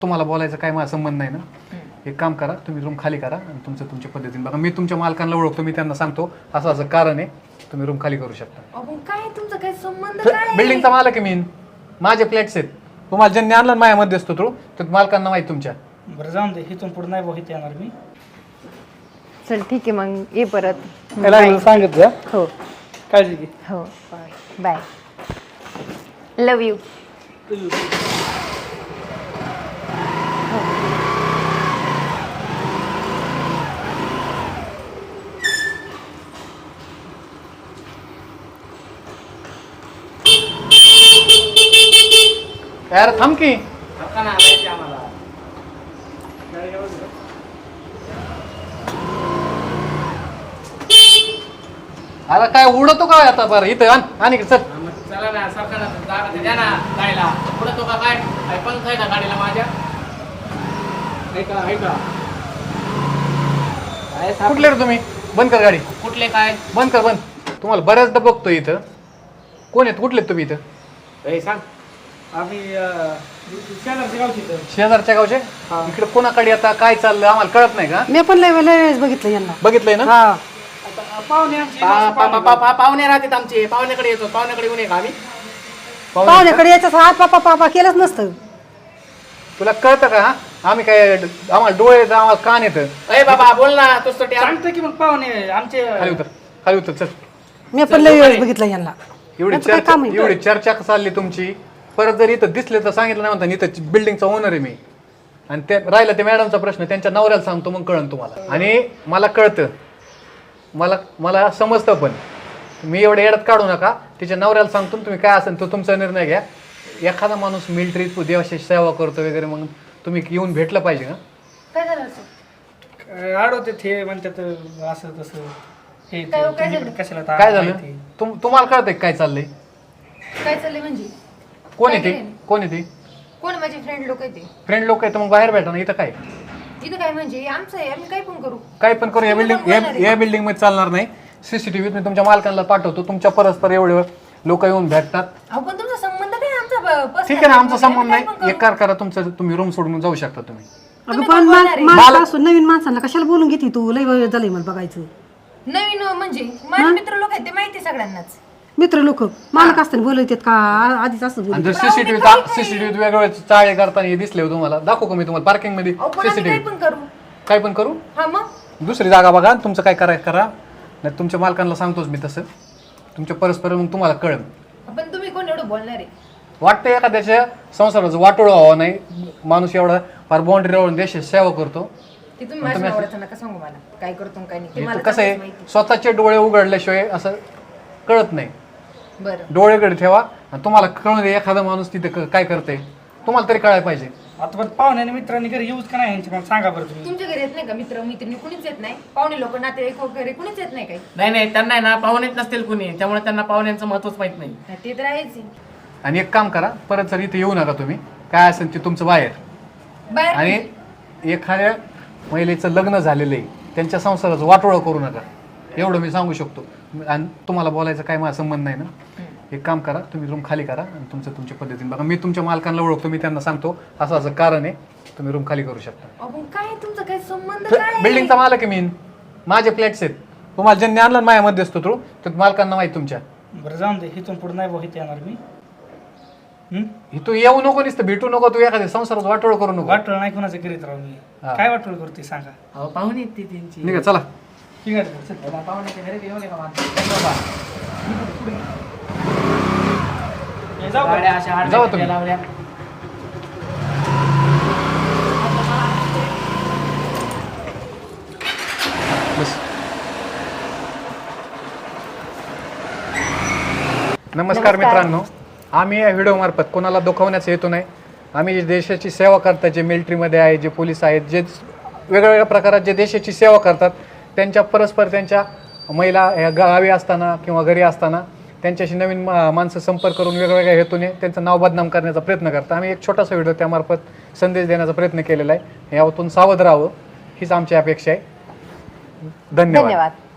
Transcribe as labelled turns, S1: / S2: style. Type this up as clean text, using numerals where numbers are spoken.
S1: तुम्हाला बोलायचं काय माझा संबंध नाही ना. एक काम करा, तुम्ही रूम खाली करा आणि तुमच्या पद्धतीने बघा. मी तुमच्या मालकांना ओळखतो, मी त्यांना सांगतो असं असं कारण आहे, तुम्ही रूम खाली करू शकता.
S2: काय तुमचा काय संबंध काय?
S1: बिल्डिंगचा मालक आहे मी, माझे फ्लॅट्स आहेत. तुम्हाला ज्यांनी आणलं माझ्यामध्ये असतो तो मालकांना माहिती तुमच्या.
S3: बरं जाऊन दे, इथून पुढे नाही बघित येणार मी.
S2: चल ठीक आहे, मग ये परत.
S3: सांगत जा.
S2: हो
S3: काळजी घे.
S2: हो बाय. Love you.
S1: यार थांब की. आता काय उडतो काय आता? बरं इथं आणि चल.
S4: चला ना, सरकारला जागा द्या ना गाडीला. पुढे तो का काय पंख आहे ना गाडीला माझ्या? ऐका
S1: कुठले रे तुम्ही? बंद कर गाडी.
S4: कुठले काय?
S1: बंद कर, बंद. तुम्हाला बऱ्याचदा बघतोय इथं. कोण आहेत, कुठले तुम्ही इथं?
S4: सांग.
S3: आम्ही शेजारच्या गावची इथं.
S1: शेजारच्या गावचे. इकडे कोणाकडे आता काय चाललं आम्हाला कळत नाही का?
S5: मी पण लय वेळेस बघितलं यांना.
S1: बघितलंय ना.
S5: हा
S3: पाहुणे आमचे
S4: पाहुणे राहतात आमचे. पाहुण्याकडे येतो. पाहुण्याकडे येऊ नये का आम्ही?
S5: पाहुण्याकडे याच्याच हात पापा पापा केलंच नसतं.
S1: तुला कळतं का? हा? आम्ही काय आम्हाला डोळे येतं, आम्हाला कान येतं.
S4: अरे बाबा बोल ना. तोच तो
S3: सांगतो की मग पाहुणे आमचे.
S1: खाली उतर चल.
S5: मी पण लय वेळेस बघितलं यांना.
S1: एवढी
S5: यांचं काय
S1: चर्चा
S5: काम आहे?
S1: एवढी चर्चा चालली तुमची. परत जर इथं दिसले तर सांगितलं नाही म्हणता, इथं बिल्डिंगचा ओनर आहे मी. आणि ते राहिला ते मॅडमचा प्रश्न, त्यांच्या नवऱ्याला सांगतो मग कळन तुम्हाला. आणि मला कळतं, मला समजतं, पण मी एवढं येड्यात काढू नका. तिच्या नवऱ्याला सांगतो, तुम्ही काय असेल तो तुमचा निर्णय घ्या. एखादा माणूस मिलिटरी देवाची सेवा करतो वगैरे, मग तुम्ही येऊन भेटलं पाहिजे का?
S2: काय झालं असं?
S3: आडवते ते म्हणतात असं तसं. हे
S2: काय
S3: तुम्ही
S2: झालं?
S3: कशाला
S1: काय झालं? तुम्हाला कळतंय काय चाललंय?
S2: काय चाललंय म्हणजे?
S1: कोण
S2: काय
S1: आहे ते?
S2: केलंय?
S1: कोण आहे ते?
S2: कोण माझे फ्रेंड लोक आहे ते?
S1: फ्रेंड लोक आहे तर मग बाहेर भेटा ना. इथं काय
S2: इथं काय म्हणजे आमचं आहे, आम्ही काय पण करू.
S1: काय पण करू. या बिल्डिंग मध्ये चालणार नाही. सीसीटीव्ही मी तुमच्या मालकांना पाठवतो. तुमच्या परस्पर एवढे लोक येऊन भेटतात.
S2: अहो पण तुमचा संबंध काय आमचा?
S1: ठीक आहे ना, आमचा संबंध नाही. एक कार करा, तुमचं तुम्ही रूम सोडून जाऊ शकता तुम्ही.
S5: अगं पण माणसं असून नवीन माणसांना कशाला बोलून घेते तू? लय वेळ झालंय मला बघायचं.
S2: नवीन म्हणजे माझे मित्र लोक आहेत ते माहिती आहे सगळ्यांनाच.
S5: मित्र लोक मालक असताना बोलवतात का? आधीच असं
S1: आणि
S5: बोलत.
S1: जर सीसीटीव्ही वेगवेगळे चाळे करताना हे दिसले तुम्हाला, दाखवू का मी तुम्हाला पार्किंग मध्ये
S2: अहो पण आम्ही काय
S1: सीसीटीव्ही?
S2: पण करू.
S1: काय पण करू.
S2: हा मग
S1: दुसरी जागा बघा, तुमचं काय करायचं करा. नाही तुमच्या मालकांना सांगतोच मी तसं. तुमच्या परस्पर मग तुम्हाला कळेल.
S2: पण तुम्ही कोण एवढं बोलणार आहे?
S1: वाटतं एखाद्याच्या संसाराचं वाटोळं व्हावं नाही. माणूस एवढा फार बाउंड्री राहून देशाची सेवा करतो.
S2: ते तुम्ही माझ्या नवऱ्याचं नका सांगू मला काय करतो आणि काय नाही. ते
S1: हे
S2: मला
S1: तर कसं आहे,
S2: माहिती.
S1: स्वतःचे डोळे उघडल्याशिवाय असं कळत नाही.
S2: बरं
S1: डोळे उघडे ठेवा आणि तुम्हाला कळून दे एखादा माणूस तिथे काय करते. तुम्हाला तरी कळायला पाहिजे.
S3: आता पण पाहुण्याने मित्रांनी घरी येऊच का नाही यांच्या? मला सांगा बरं तुम्ही.
S2: तुमच्या घरी येत नाही का मित्र मैत्रिणी? कुणीच येत नाही? पाहुणे लोक नातेवाईक वगैरे कुणीच येत नाही काही?
S4: नाही त्यांना आहे ना पाहुणेच नसतील कुणी, त्यामुळे त्यांना पाहुण्यांचं महत्वच माहित नाही.
S2: हा, ते तर आहेच आहे.
S1: आणि एक काम करा, परत जर इथे येऊ नका तुम्ही. काय असेल ते तुमचं बाहेर.
S2: बाहेर
S1: आणि एखाद्या महिलेचं लग्न झालेलं आहे, त्यांच्या संसाराचं वाटोळं करू नका. एवढं मी सांगू शकतो. आणि तुम्हाला बोलायचं काय माझा संबंध नाही ना. एक काम करा, तुम्ही रूम खाली करा आणि तुमच्या पद्धतीने बघा. मी तुमच्या मालकांना ओळखतो, मी त्यांना सांगतो असं असं कारण आहे, तुम्ही रूम खाली करू शकता.
S2: अहो, काय तुमचा काय संबंध काय?
S1: बिल्डिंगचा मालक आहे मी, माझे फ्लॅट्स आहेत. तुम्हाला ज्यांनी आणलं माझ्यामध्ये असतो तो मालकांना माहिती तुमच्या.
S3: बरं जाऊन दे, इथून पुढे नाही बघित येणार मी.
S1: तू येऊ नको, नुसतं भेटू नको. तू एखाद्या संसारात वाटोळ करू नको.
S3: वाटोळ नाही कोणाचं करीत राहू मी. काय वाटोळ करते सांगा?
S4: अहो पाहुणे आहेत ती त्यांची.
S1: निघा चला.
S3: ठीक आहे चल.
S4: पाहुण्याच्या घरी येऊ नये का माणसं?
S3: हे जाऊ का?
S4: गाड्या अशा
S1: जाऊ
S4: आडव्या
S1: तुम्ही.
S4: लावल्या.
S1: बस. नमस्कार मित्रांनो. आम्ही या व्हिडिओ मार्फत कोणाला दुखवण्याचा हेतू नाही. आम्ही जे देशाची सेवा करतात, जे मिलिटरीमध्ये आहे, जे पोलीस आहेत, जे वेगवेगळ्या प्रकारात जे देशाची सेवा करतात, त्यांच्या परस्पर त्यांच्या महिला ह्या गावी असताना किंवा घरी असताना त्यांच्याशी नवीन माणसं संपर्क करून वेगवेगळ्या हेतूने त्यांचं नाव बदनाम करण्याचा प्रयत्न करतात. आम्ही एक छोटासा व्हिडिओ त्यामार्फत संदेश देण्याचा प्रयत्न केलेला आहे. यातून सावध राहावं हीच आमची अपेक्षा आहे. धन्यवाद.